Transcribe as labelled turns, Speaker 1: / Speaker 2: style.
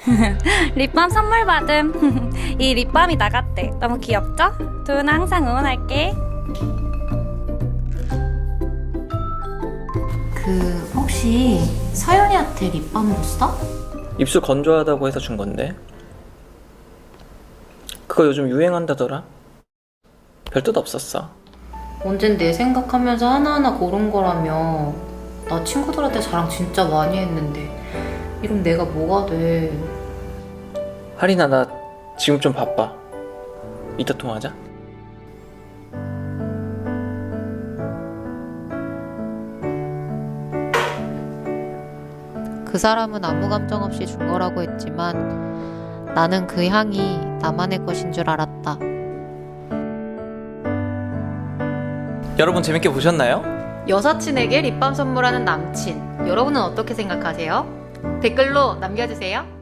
Speaker 1: 립밤 선물 받음. 이 립밤이 나갔대. 너무 귀엽죠? 도윤아 항상 응원할게.
Speaker 2: 혹시 서연이한테 립밤 줬어?
Speaker 3: 입술 건조하다고 해서 준 건데. 그거 요즘 유행한다더라. 별 뜻 없었어.
Speaker 2: 언젠 내 생각하면서 하나하나 고른 거라며. 나 친구들한테 자랑 진짜 많이 했는데 이럼 내가 뭐가 돼.
Speaker 3: 하린아, 나 지금 좀 바빠. 이따 통화하자.
Speaker 4: 그 사람은 아무 감정 없이 준 거라고 했지만 나는 그 향이 나만의 것인 줄 알았다.
Speaker 3: 여러분 재밌게 보셨나요?
Speaker 4: 여사친에게 립밤 선물하는 남친, 여러분은 어떻게 생각하세요? 댓글로 남겨주세요.